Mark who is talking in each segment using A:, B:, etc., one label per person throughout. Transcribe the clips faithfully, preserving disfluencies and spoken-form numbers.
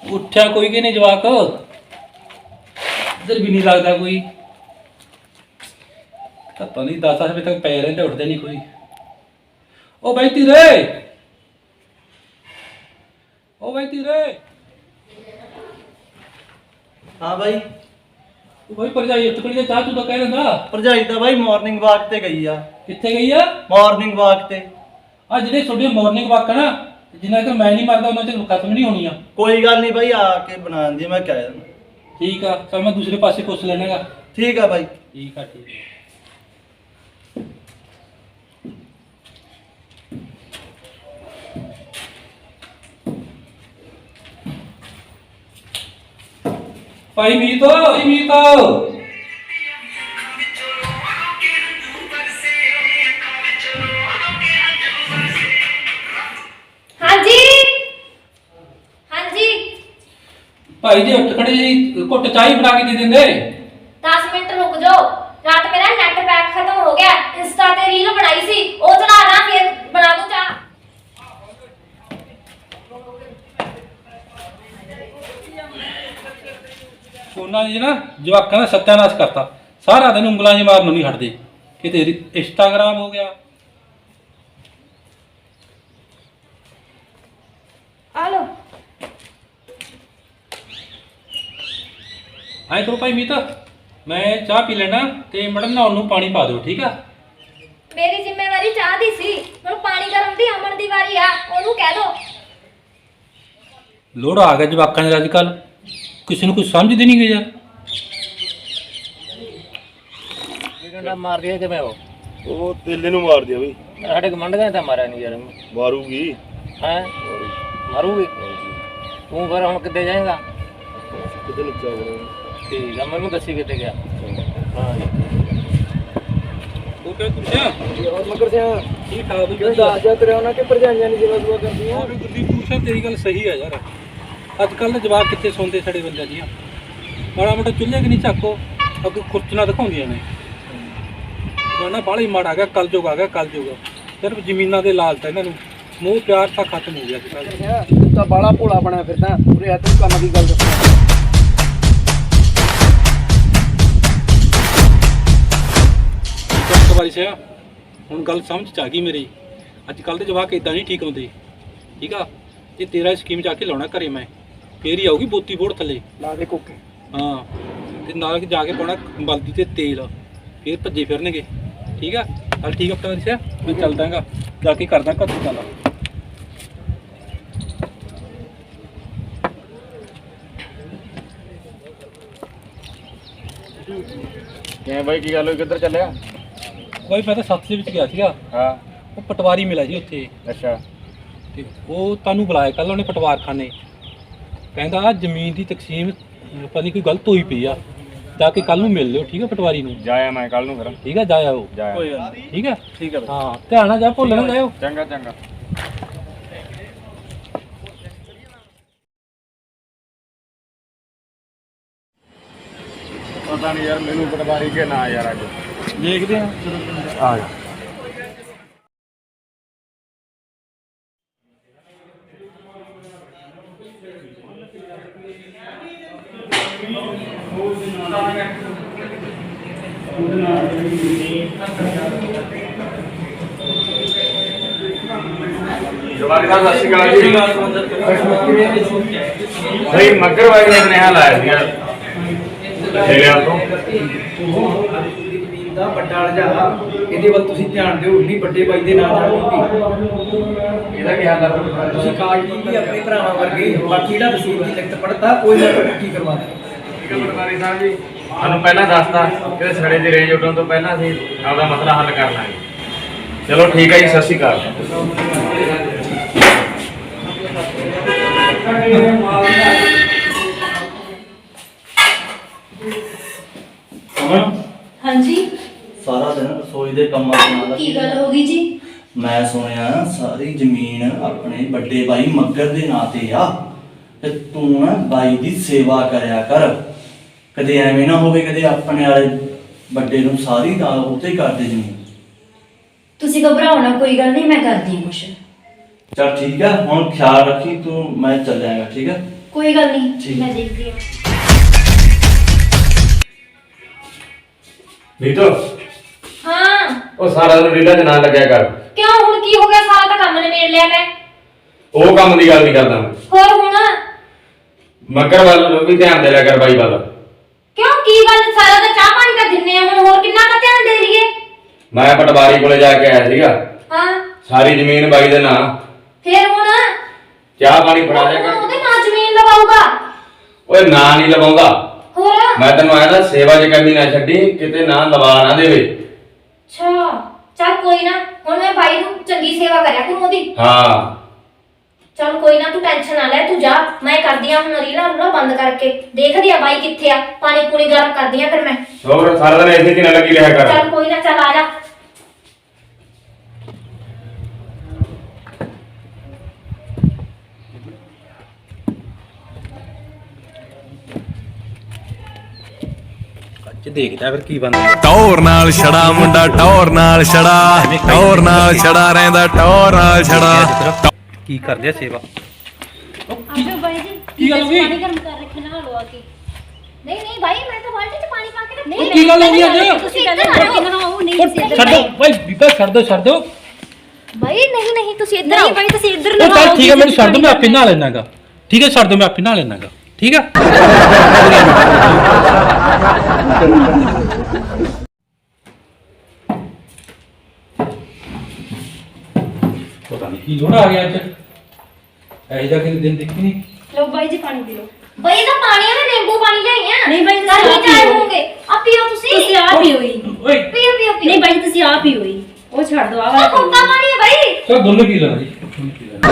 A: उठा कोई कि नहीं जवाक इधर भी नहीं लगता कोई पता नहीं दस बजे तक पे रहे उठते नहीं कोई। ओ भाई तीरे ओ भाई तीरे
B: हाँ भाई
A: ओ भाई भरजाई उठ खड़ी चाह तू तो कह रहा
B: भरजाई तो भाई मॉर्निंग वॉक ते गई आ।
A: कितने गई है
B: मॉर्निंग वॉक ते
A: आ जिहड़े छोटे मॉर्निंग वॉक है ना जिन्ना तक मैं नहीं मारता उन्ना तक खत्म नहीं होनी।
B: कोई गल नहीं भाई आके बना दी मैं क्या
A: ठीक है चल मैं दूसरे पासे पुछ लेना।
B: ठीक है भाई
A: ठीक है ठीक है। भाई मीतो भाई मीतो
C: हाँ जी हाँ जी
A: भाई जी उठ खड़े जी घुट चाय बना के दे देंगे।
C: दस मिनट रुक जाओ रात मेरा नेट पैक खत्म हो गया इंस्टा ते रील बनाई सी ओ चला ना फिर बना दूं चाह।
A: ਉਹਨਾਂ ਨੇ ਨਾ ਜਵਾਕਾਂ ਦਾ ਸੱਤਿਆਨਾਸ਼ ਕਰਤਾ ਸਾਰਾ ਦਿਨ ਉਂਗਲਾਂ ਜਿ ਮਾਰਨ ਨੂੰ ਨਹੀਂ ਹਟਦੇ ਕਿਤੇ ਇੰਸਟਾਗ੍ਰਾਮ ਹੋ ਗਿਆ।
C: ਆ ਲੋ
A: ਆਏ ਕਰੋ ਭਾਈ ਮੀਤ ਮੈਂ ਚਾਹ ਪੀ ਲੈਣਾ ਤੇ ਮੈਡਮ ਨਹਾਉਣ ਨੂੰ ਪਾਣੀ ਪਾ ਦਿਓ ਠੀਕ ਆ।
C: ਮੇਰੀ ਜ਼ਿੰਮੇਵਾਰੀ ਚਾਹ ਦੀ ਸੀ ਹੁਣ ਪਾਣੀ ਗਰਮ ਦੀ ਅਮਨ ਦੀ ਵਾਰੀ ਆ ਉਹਨੂੰ ਕਹਿ ਦੋ।
A: ਲੋੜ ਆ ਗਿਆ ਜਵਾਕਾਂ ਦੇ ਅੱਜ ਕੱਲ ਕਿਸੇ ਨੂੰ ਕੁਝ ਸਮਝਦੇ ਨਹੀਂ ਗਏ ਯਾਰ।
D: ਡੰਡਾ ਮਾਰ ਦਿਆ ਕਿਵੇਂ ਉਹ
E: ਉਹ ਤੇਲੇ ਨੂੰ ਮਾਰ ਦਿਆ ਬਈ
D: ਸਾਡੇ ਕਮੰਡਾਂ ਤਾਂ ਮਾਰਿਆ ਨਹੀਂ ਯਾਰ
E: ਮਾਰੂਗੀ
D: ਹੈ ਮਾਰੂਗੀ ਤੂੰ ਫਿਰ ਹੁਣ ਕਿੱਥੇ ਜਾਏਗਾ
E: ਕਿਤੇ ਨੱਚਾ ਬਣਾ
D: ਠੀਕ ਆ ਮੈਨੂੰ ਦੱਸੀ ਕਿੱਥੇ ਗਿਆ ਹਾਂ
A: ਉਹ ਕਿਉਂ ਪੁੱਛਿਆ
D: ਹੋਰ ਮਗਰ ਸਿਆ
A: ਠੀਕ ਠਾਕ ਵੀ
D: ਦੱਸ ਜਾ ਤੇਰੇ ਉਹਨਾਂ ਕਿ ਭਰਜਾਈਆਂ ਨਹੀਂ ਜਿਵੇਂ ਦੁਆ ਕਰਦੀਆਂ
A: ਉਹ ਗੁਰਦੀਪ ਪੁੱਛਿਆ ਤੇਰੀ ਗੱਲ ਸਹੀ ਹੈ ਯਾਰ ਅੱਜ ਕੱਲ ਦੇ ਜਵਾਕ ਕਿੱਥੇ ਸੌਂਦੇ ਸਾਡੇ ਬੰਦਿਆਂ ਦੀਆਂ ਮਾੜਾ ਮੋਟਾ ਚੁੱਲ੍ਹੇ ਕਿ ਨਹੀਂ ਚੱਕੋ ਅੱਗੇ ਖੁਰਚਣਾ ਦਿਖਾਉਂਦੀਆਂ ਨੇ ਨਾ ਬਾਹਲਾ ਮਾੜਾ ਆ ਗਿਆ ਕੱਲ ਜੋਗ ਆ ਗਿਆ ਕੱਲ ਜੋਗ ਸਿਰਫ ਜ਼ਮੀਨਾਂ ਦੇ ਲਾਲਚ ਇਹਨਾਂ ਨੂੰ ਮੋਹ ਪਿਆਰ ਤਾਂ ਖਤਮ ਹੋ ਗਿਆ ਅੱਜ ਕੱਲ੍ਹ।
D: ਤੂੰ ਤਾਂ ਬਾਲਾ ਭੋਲਾ ਬਣਿਆ ਫਿਰਦਾ ਪੂਰੇ ਹੱਥ ਨੂੰ ਕੰਮ ਦੀ ਗੱਲ ਦੱਸ
A: ਇੱਕ ਵਾਰੀ ਸਿਆ ਹੁਣ ਗੱਲ ਸਮਝ ਚ ਆ ਗਈ ਮੇਰੀ ਅੱਜ ਕੱਲ੍ਹ ਦੇ ਜਵਾਕ ਇਦਾਂ ਨਹੀਂ ਠੀਕ ਹੁੰਦੇ ਠੀਕ ਆ। ਇਹ ਤੇਰਾ ਸਕੀਮ ਜਾ ਕੇ ਲਾਉਣਾ ਘਰੇ ਮੈਂ ਫੇਰ ਹੀ ਆਊਗੀ ਬੋਤੀ ਬੋੜ ਥੱਲੇ
D: ਲਾ ਦੇ ਕੋਕੇ
A: ਹਾਂ ਤੇ ਨਾਲ ਜਾ ਕੇ ਪਾਉਣਾ ਬਲਦੀ ਤੇ ਤੇਲ ਫੇਰ ਭੱਜੇ ਫਿਰਨਗੇ ਠੀਕ ਆ। ਚੱਲ ਠੀਕ ਆ ਪਤਾ ਦੱਸਿਆ ਮੈਂ ਚੱਲਦਾਗਾ ਜਾ ਕੇ ਕਰਦਾ ਘਰ ਦੀ ਗੱਲ।
D: ਕਿਵੇਂ ਬਾਈ ਕੀ ਗੱਲ ਹੋਈ ਕਿੱਧਰ ਚੱਲਿਆ
A: ਬਾਈ ਮੈਂ ਤਾਂ ਸੱਤ ਦੇ ਵਿੱਚ ਗਿਆ ਸੀਗਾ
D: ਹਾਂ
A: ਉਹ ਪਟਵਾਰੀ ਮਿਲਿਆ ਜੀ ਉੱਥੇ
D: ਅੱਛਾ
A: ਤੇ ਉਹ ਤੁਹਾਨੂੰ ਬੁਲਾਇਆ ਕੱਲ ਉਹਨੇ ਪਟਵਾਰਖਾਨੇ ਕਹਿੰਦਾ ਜ਼ਮੀਨ ਦੀ ਤਕਸੀਮ ਪਤਾ ਨਹੀਂ ਕੋਈ ਗਲਤ ਹੋਈ ਪਈ ਆ ਜਾ ਕੇ ਕੱਲ ਨੂੰ ਮਿਲ ਲਿਓ ਠੀਕ ਆ ਪਟਵਾਰੀ ਨੂੰ।
D: ਜਾਇਆ ਮੈਂ ਕੱਲ ਨੂੰ ਫਿਰ
A: ਠੀਕ ਆ ਜਾਇਆ ਉਹ
D: ਜਾਇਆ
A: ਠੀਕ ਆ
D: ਠੀਕ ਆ
A: ਹਾਂ ਧਿਆਨ ਨਾਲ ਜਾ ਭੁੱਲ ਨਾ ਜਾਇਓ।
D: ਚੰਗਾ ਚੰਗਾ ਪਤਾ ਨਹੀਂ ਯਾਰ ਮੈਨੂੰ ਪਟਵਾਰੀ ਕੇ ਨਾ ਯਾਰ ਅੱਜ
A: ਦੇਖਦੇ ਆ
D: ਆ ਜਾ ਜਵਾਰੀ ਦਾ ਸਤਿ ਸ਼੍ਰੀ ਅਕਾਲ ਜੀ ਭਾਈ ਮੱਗਰ ਵਾਲੀ ਨੇ ਸੁਨੇਹਾ ਲਾਇਆ ਸੀਗਾ ਠੇਲਿਆਂ ਤੋਂ
F: ਦਾ ਵੱਡਾ ਲਜਾ ਇਹਦੇ ਵੱਲ ਤੁਸੀਂ ਧਿਆਨ ਦਿਓ ਇੰਨੀ ਵੱਡੇ ਬਾਈ ਦੇ ਨਾਲ ਨਾਲ
D: ਇਹਦਾ ਕੀ ਹਾਲ ਆ
F: ਤੁਸੀਂ ਕਾਰਡ ਦੀ ਆਪਣੇ ਭਰਾਵਾਂ ਵਰਗੇ ਬਾਕੀ ਜਿਹੜਾ ਰਸੀਦ ਦੀ ਲਿਖਤ ਪੜਤਾ ਕੋਈ ਨਾ ਕੀ ਕਰਵਾ ਦੇ।
D: ਠੀਕ ਹੈ ਪਟਵਾਰੀ ਸਾਹਿਬ ਜੀ ਸਾਨੂੰ ਪਹਿਲਾਂ ਦੱਸਤਾ ਕਿ ਸੜੇ ਦੀ ਰੇਂਜ ਉੱਡਣ ਤੋਂ ਪਹਿਲਾਂ ਅਸੀਂ ਆਪਦਾ ਮਸਲਾ ਹੱਲ ਕਰ ਲਾਂਗੇ। ਚਲੋ ਠੀਕ ਹੈ ਜੀ ਸਤਿ ਸ਼੍ਰੀ ਅਕਾਲ।
C: हाँ जी
B: ਸਾਰਾ ਦਿਨ ਰਸੋਈ ਦੇ ਕੰਮਾਂ ਨਾਲ
C: की गल होगी जी
B: ਮੈਂ ਸੁਣਿਆ ਸਾਰੀ ਜ਼ਮੀਨ ਆਪਣੇ ਵੱਡੇ ਬਾਈ ਮੱਗਰ ਦੇ ਨਾਂ ਤੇ ਆ ਤੇ ਤੂੰ ਨਾ ਬਾਈ ਦੀ ਸੇਵਾ ਕਰਿਆ ਕਰ ਕਦੇ ਐਵੇਂ ਨਾ ਹੋਵੇ ਕਦੇ ਆਪਣੇ ਵਾਲੇ ਵੱਡੇ ਨੂੰ ਸਾਰੀ ਦਾ ਉੱਤੇ ਕਰ ਦੇ ਜ਼ਮੀਨ।
C: ਤੁਸੀਂ ਘਬਰਾਓ ਨਾ ਕੋਈ ਗੱਲ ਨਹੀਂ ਮੈਂ ਕਰਦੀ ਹਾਂ ਕੁਛ।
B: ਚਲ ਠੀਕ ਹੈ ਹੁਣ ਖਿਆਲ ਰੱਖੀ ਤੂੰ ਮੈਂ ਚੱਲ ਜਾਏਗਾ ਠੀਕ ਹੈ।
C: ਕੋਈ ਗੱਲ ਨਹੀਂ, ਮੈਂ ਦੇਖਦੀ ਹਾਂ।
D: ਨੀਤੋ
C: ਹਾਂ
D: ਉਹ ਸਾਰਾ ਦਿਨ ਰੀਲਾਂ 'ਚ ਨਾ ਲੱਗਿਆ ਕਰ।
C: ਕਿਉਂ, ਹੁਣ ਕੀ ਹੋ ਗਿਆ? ਸਾਰਾ ਤਾਂ ਕੰਮ ਨਿਬੇੜ ਲਿਆ ਮੈਂ।
D: ਉਹ ਕੰਮ ਦੀ ਗੱਲ ਨਹੀਂ ਕਰਦਾ ਮੈਂ।
C: ਹੋਰ ਹੁਣ
D: ਮੱਕਰ ਵੱਲ ਵੀ ਧਿਆਨ ਦੇ ਲਿਆ ਕਰ ਬਾਈ ਵੱਲ।
C: ਕਿਉਂ, ਕੀ ਗੱਲ? ਸਾਰਾ ਤਾਂ ਚਾਹ ਪਾਣੀ ਤਾਂ ਦਿੰਨੇ ਆ, ਹੁਣ ਹੋਰ ਕਿੰਨਾ ਕੁ ਧਿਆਨ ਦੇ ਲਈਏ?
D: ਮੈਂ ਪਟਵਾਰੀ ਕੋਲੇ ਜਾ ਕੇ ਆਇਆ ਸੀਗਾ,
C: ਹਾਂ
D: ਸਾਰੀ ਜ਼ਮੀਨ ਬਾਈ ਦੇ ਨਾਂ।
C: ਫੇਰ ਹੁਣ
D: ਚਾਹ ਪਾਣੀ ਫੜਾ ਦਿਆ
C: ਹੁਣ
D: ਕਰ।
C: ਉਹਦੇ ਨਾਂ ਜ਼ਮੀਨ ਲਵਾਊਗਾ?
D: ਓਏ ਨਾਂ ਨਹੀਂ ਲਵਾਉਂਦਾ,
C: ਹੋਰ
D: ਮੈਂ ਤੈਨੂੰ ਆਇਆ ਨਾ ਸੇਵਾ 'ਚ ਕਮੀ ਨਾ ਛੱਡੀ, ਕਿਤੇ ਨਾਂ ਲਵਾ ਨਾ ਦੇਵੇ।
C: ਅੱਛਾ ਚੱਲ ਕੋਈ ਨਾ, ਹੁਣ ਮੈਂ ਬਾਈ ਨੂੰ ਚੰਗੀ ਸੇਵਾ ਕਰਿਆ ਕਰੂੰ ਉਹਦੀ।
D: ਹਾਂ
C: ਚੱਲ ਕੋਈ ਨਾ, ਤੂੰ ਟੈਨਸ਼ਨ ਨਾ ਲੈ, ਤੂੰ ਜਾ, ਮੈਂ ਕਰਦੀ ਆ ਹੁਣ ਰੀਲਾਂ ਰੂਲਾਂ ਬੰਦ ਕਰਕੇ, ਦੇਖਦੀ ਆ ਬਾਈ ਕਿੱਥੇ ਆ, ਪਾਣੀ ਪੂਣੀ ਗਰਮ ਕਰਦੀ ਆ ਫਿਰ ਮੈਂ।
D: ਹੋਰ ਸਾਰਾ ਦਿਨ ਇੱਥੇ 'ਚ ਨਾ ਲੱਗੀ ਰਿਹਾ ਕਰ।
C: ਚੱਲ ਕੋਈ ਨਾ, ਚੱਲ ਆ ਜਾ।
A: ਅੱਜ ਦੇਖਦਾ ਫਿਰ ਕੀ ਬਣਦਾ।
G: ਟੌਰ ਨਾਲ ਛੜਾ ਮੁੰਡਾ ਟੌਰ ਨਾਲ ਛੜਾ ਟੌਰ ਨਾਲ ਛੜਾ ਰਹਿੰਦਾ ਟੌਰ ਨਾਲ ਛੜਾ
A: ਕੀ ਕਰਦੇ ਆ ਸੇਵਾ?
C: ਆਜੋ ਬਾਈ ਜੀ,
A: ਕੀ ਗੱਲ ਹੋ ਗਈ?
C: ਪਾਣੀ ਗਰਮ ਕਰ ਰੱਖੇ ਨਾ ਲਵਾ ਕੇ। ਨਹੀਂ ਨਹੀਂ ਬਾਈ, ਮੈਂ ਤਾਂ ਬਾਲਟੀ 'ਚ ਪਾਣੀ ਪਾ ਕੇ ਰੱਖਿਆ।
A: ਉਹ ਕੀ ਗੱਲ ਹੋ ਗਈ ਅੱਜ?
C: ਤੁਸੀਂ ਇੱਧਰ ਆ ਕੇ ਨਹਾਓ। ਨਹੀਂ ਤੁਸੀਂ ਇੱਧਰ
A: ਛੱਡੋ ਬਾਈ, ਬੀਬਾ ਛੱਡ ਦੋ ਛੱਡ ਦੋ।
C: ਬਾਈ ਨਹੀਂ ਨਹੀਂ, ਤੁਸੀਂ ਇੱਧਰ ਆਓ। ਬਾਈ ਤੁਸੀਂ ਇੱਧਰ
A: ਉਹ ਚੱਲ ਠੀਕ ਹੈ, ਮੈਨੂੰ ਛੱਡ ਦੋ, ਮੈਂ ਆਪੇ ਨਹਾ ਲੈਣਾਗਾ। ਠੀਕ ਹੈ ਛੱਡ ਦੋ, ਮੈਂ ਆਪੇ ਨਹਾ ਲੈਣਾਗਾ। ਠੀਕ ਹੈ ਪਤਾ ਨਹੀਂ ਕੀ ਲੋੜਾ ਆ ਗਿਆ ਅੱਜ, ਐ ਜਾ ਕੇ ਦਿਨ ਦੇਖੀ ਨਹੀਂ।
C: ਲਓ ਬਾਈ ਜੀ ਪਾਣੀ ਪੀ ਲਓ। ਬਾਈ ਦਾ ਪਾਣੀ ਆ, ਮੈਂ ਨਿੰਬੂ ਪਾਣੀ ਲਿਆਈ ਆ।
H: ਨਹੀਂ ਬਾਈ,
C: ਕੱਲ
H: ਤੁਸੀਂ
C: ਹੀ ਚਾਹ ਹੋਗੇ। ਆ ਪੀਓ ਤੁਸੀਂ।
H: ਤੁਸੀਂ ਆ ਪੀਓ ਹੀ।
A: ਓਏ
C: ਪੀਓ ਪੀਓ ਪੀਓ।
H: ਨਹੀਂ ਬਾਈ ਤੁਸੀਂ ਆ ਪੀਓ ਹੀ, ਉਹ ਛੱਡ ਦੋ ਆ
C: ਉਹ
H: ਵਾਲਾ
C: ਕੋਕਾ ਪਾਣੀ ਹੈ ਬਾਈ।
A: ਚਲ ਦੋਨੋਂ ਪੀ ਲੈਣਾ ਜੀ, ਦੋਨੋਂ ਪੀ ਲੈਣਾ।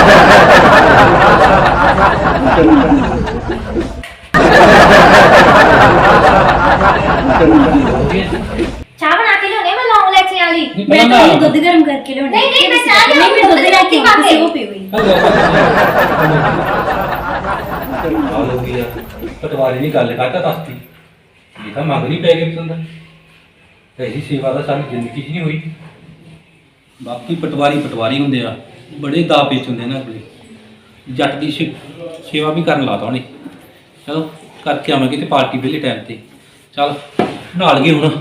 C: ਚਾਹ ਬਣਾ ਕੇ ਲਿਆਉਣੀ ਆ ਮੈਂ, ਲੌਂਗ ਲੈਚੀ ਵਾਲੀ।
A: ਨਹੀਂ
H: ਮੈਂ
A: ਪਹਿਲਾਂ
H: ਤਾਂ
A: ਨਹਾ।
H: ਦੁੱਧ ਗਰਮ ਕਰਕੇ ਲਿਆਉਣੀ।
C: ਨਹੀਂ, ਨਹੀਂ, ਮੈਂ ਚਾਹ
H: ਨਹੀਂ ਮੈਂ ਦੁੱਧ ਲੈ ਕੇ ਆਉਂਦੀ, ਤੁਸੀਂ ਉਹ ਪੀਓ ਹੀ।
A: ਆ ਲੋਗੀ ਆ ਪਟਵਾਰੀ ਨਹੀਂ ਗੱਲ ਕਰਦਾ ਦੱਸਦੀ, ਇਹ ਤਾਂ ਮੰਗ ਨਹੀਂ ਪੈ ਗਈ ਪਸੰਦ। ਐਸੀ ਸੇਵਾ ਦਾ ਸਾਡੀ ਜ਼ਿੰਦਗੀ 'ਚ ਨਹੀਂ ਹੋਈ। ਬਾਕੀ ਪਟਵਾਰੀ ਪਟਵਾਰੀ ਹੁੰਦੇ ਆ, ਬੜੇ ਦਾ ਪੇਚ ਹੁੰਦੇ ਨੇ ਅਗਲੇ। ਜੱਟ ਦੀ ਸੇ- ਸੇਵਾ ਵੀ ਕਰਨ ਲਾਤਾ ਉਹਨੇ। ਚਲੋ ਕਰਕੇ ਆਵਾਂਗੇ ਤੇ ਪਾਰਟੀ ਵੇਲੇ ਟਾਈਮ ਤੇ। ਚੱਲ ਨਾਲ ਗਏ ਹੁਣ।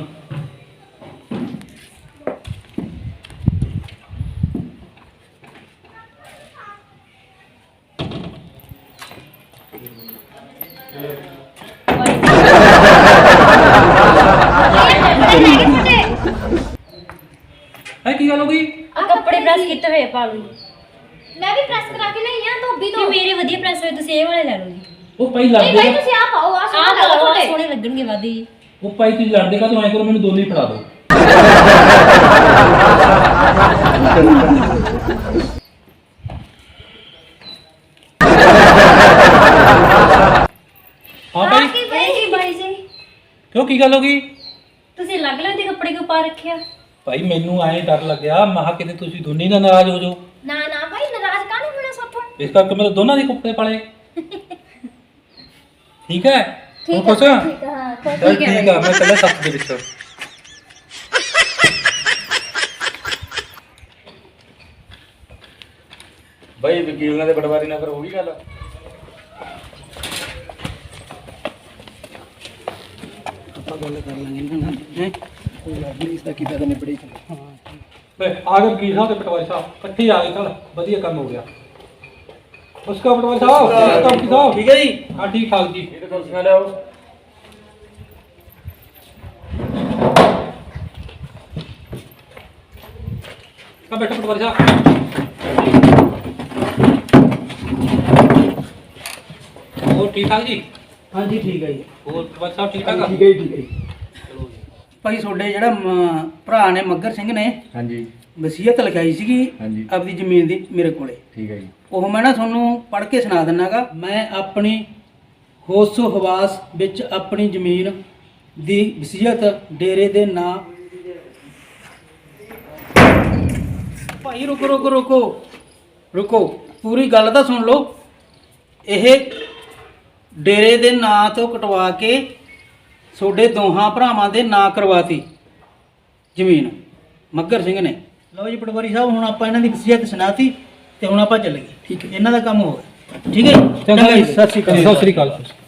A: ਹੈ ਕੀ ਗੱਲ ਹੋ ਗਈ?
H: ਆ ਕੱਪੜੇ ਪ੍ਰੈਸ ਕੀਤੇ ਹੋਏ ਪਾ ਲਓ ਜੀ।
C: ਮੈਂ ਵੀ ਪ੍ਰੈਸ ਕਰਾ ਕੇ ਲਈ ਆ ਧੋਬੀ ਤੋਂ।
H: ਨਹੀਂ ਮੇਰੇ ਵਧੀਆ ਪ੍ਰੈਸ ਹੋਏ, ਤੁਸੀਂ ਇਹ ਵਾਲੇ ਲੈ ਲਓ ਜੀ।
A: ਉਹ ਭਾਈ
C: ਨਹੀਂ
A: ਲੜਦੇ
C: ਬਾਈ
A: ਨਾ।
C: ਤੁਸੀਂ ਆ ਪਾਓ, ਆ
H: ਆਹ
C: ਸੋਹਣਾ
H: ਪਾਓ,
C: ਲੱਗਦਾ
H: ਆਹ
C: ਤੁਹਾਡੇ।
H: ਸੋਹਣੇ ਲੱਗਣਗੇ ਵਾਦੀ ਜੀ।
A: ਉਹ ਭਾਈ ਤੁਸੀਂ ਲੜਦੇ ਕਾ ਤੂੰ ਐਂ ਕਰੋ, ਮੈਨੂੰ ਦੋਨੇ ਹੀ ਫੜਾ ਦਿਓ। ਹਾਂ ਭਾਈ
C: ਕੀ
H: ਇਹ ਕੀ ਬਾਈ ਜੀ,
A: ਕਿਉਂ ਕੀ ਗੱਲ ਹੋ ਗਈ?
H: ਤੁਸੀਂ ਅਲੱਗ ਅਲੱਗ ਦੇ ਕੱਪੜੇ ਕਿਉਂ ਪਾ ਰੱਖਿਆ?
A: ਭਾਈ ਮੈਨੂੰ ਐਂ ਡਰ ਲੱਗਿਆ, ਮੈਂ ਕਿਹਾ ਕਿਤੇ ਤੁਸੀਂ ਦੋਨੇ ਹੀ ਨਾ ਨਾਰਾਜ਼ ਹੋ ਜਾਓ,
C: ਨਾ ਨਾ ਭਾਈ, ਨਾਰਾਜ਼ ਕਾਹਨੂੰ ਹੋਣਾ ਸਾਥੋਂ।
A: ਇਸ ਕਰਕੇ ਮੈਂ ਤਾਂ ਦੋਨਾਂ ਦੇ ਕੱਪੜੇ ਪਾਲੇ। ਠੀਕ ਹੈ ਹੁਣ
C: ਠੀਕ
A: ਖੁਸ਼
C: ਹੈ
A: ਆ?
C: ਠੀਕ ਹੈ, ਹਾਂ ਖੁਸ਼।
A: ਚੱਲ ਠੀਕ ਆ, ਮੈਂ ਕੱਲਾ ਸੱਤ ਦੇ ਵਿੱਚ।
D: ਬਾਈ ਵਕੀਲ ਨਾਲ ਤੇ ਪਟਵਾਰੀ ਨਾਲ ਫਿਰ ਹੋ ਗਈ ਗੱਲ।
A: ਵੇ ਆ ਗਏ ਵਕੀਲ ਸਾਹਿਬ ਤੇ ਪਟਵਾਰੀ ਸਾਹਿਬ ਇਕੱਠੇ ਆ ਗਏ, ਚੱਲ ਵਧੀਆ ਕੰਮ ਹੋ ਗਿਆ। ਉਸਕਾ ਪਟਵਾਰੀ ਸਾਹਿਬ ਉਸਕਾ ਵਕੀਲ ਸਾਹਿਬ
F: ਠੀਕ ਹੈ ਜੀ।
A: ਹਾਂ ਠੀਕ ਠਾਕ ਜੀ।
D: ਇਹ ਤਾਂ ਕੁਰਸੀਆਂ ਲਿਆਓ।
A: ਕਾ ਬੈਠੋ ਪਟਵਾਰੀ ਸਾਹਿਬ। ਹੋਰ ਠੀਕ ਠਾਕ ਜੀ?
F: ਹਾਂਜੀ ਠੀਕ ਹੈ ਜੀ।
A: ਹੋਰ ਪਟਵਾਰੀ ਸਾਹਿਬ ਠੀਕ ਠਾਕ ਆ?
F: ਠੀਕ ਹੈ ਜੀ, ਠੀਕ ਹੈ ਜੀ। ਭਾਈ ਤੁਹਾਡੇ ਜਿਹੜਾ ਮ- ਭਰਾ ਨੇ ਮੱਗਰ ਸਿੰਘ ਨੇ
D: ਹਾਂਜੀ
F: ਵਸੀਅਤ ਲਿਖਾਈ ਸੀਗੀ
D: ਹਾਂਜੀ।
F: ਆਪਦੀ ਜ਼ਮੀਨ ਦੀ ਮੇਰੇ ਕੋਲੇ,
D: ਠੀਕ ਹੈ ਜੀ।
F: ਉਹ ਮੈਂ ਨਾ ਤੁਹਾਨੂੰ ਪੜ੍ਹ ਕੇ ਸੁਣਾ ਦਿੰਨਾਗਾ। ਮੈਂ ਆਪਣੀ ਹੋਸੋ ਹਵਾਸ ਵਿੱਚ ਆਪਣੀ ਜ਼ਮੀਨ ਦੀ ਵਸੀਅਤ ਡੇਰੇ ਦੇ ਨਾਂ। ਭਾਈ ਰੁਕੋ ਰੁਕੋ ਰੁਕੋ ਰੁਕੋ ਪੂਰੀ ਗੱਲ ਤਾਂ ਸੁਣ ਲਓ। ਇਹ ਡੇਰੇ ਦੇ ਨਾਂ ਤੋਂ ਕਟਵਾ ਕੇ ਤੁਹਾਡੇ ਦੋਹਾਂ ਭਰਾਵਾਂ ਦੇ ਨਾਂ ਕਰਵਾਤੀ ਜ਼ਮੀਨ ਮੱਗਰ ਸਿੰਘ ਨੇ। ਲਓ ਜੀ ਪਟਵਾਰੀ ਸਾਹਿਬ, ਹੁਣ ਆਪਾਂ ਇਹਨਾਂ ਦੀ ਵਸੀਅਤ ਸੁਣਾਤੀ ਤੇ ਹੁਣ ਆਪਾਂ ਚੱਲ ਗਏ। ਠੀਕ ਹੈ, ਇਹਨਾਂ ਦਾ ਕੰਮ ਹੋ ਗਿਆ। ਠੀਕ ਹੈ ਜੀ? ਚੰਗਾ ਜੀ, ਸਤਿ ਸ਼੍ਰੀ ਅਕਾਲ।
A: ਸਤਿ ਸ੍ਰੀ ਅਕਾਲ।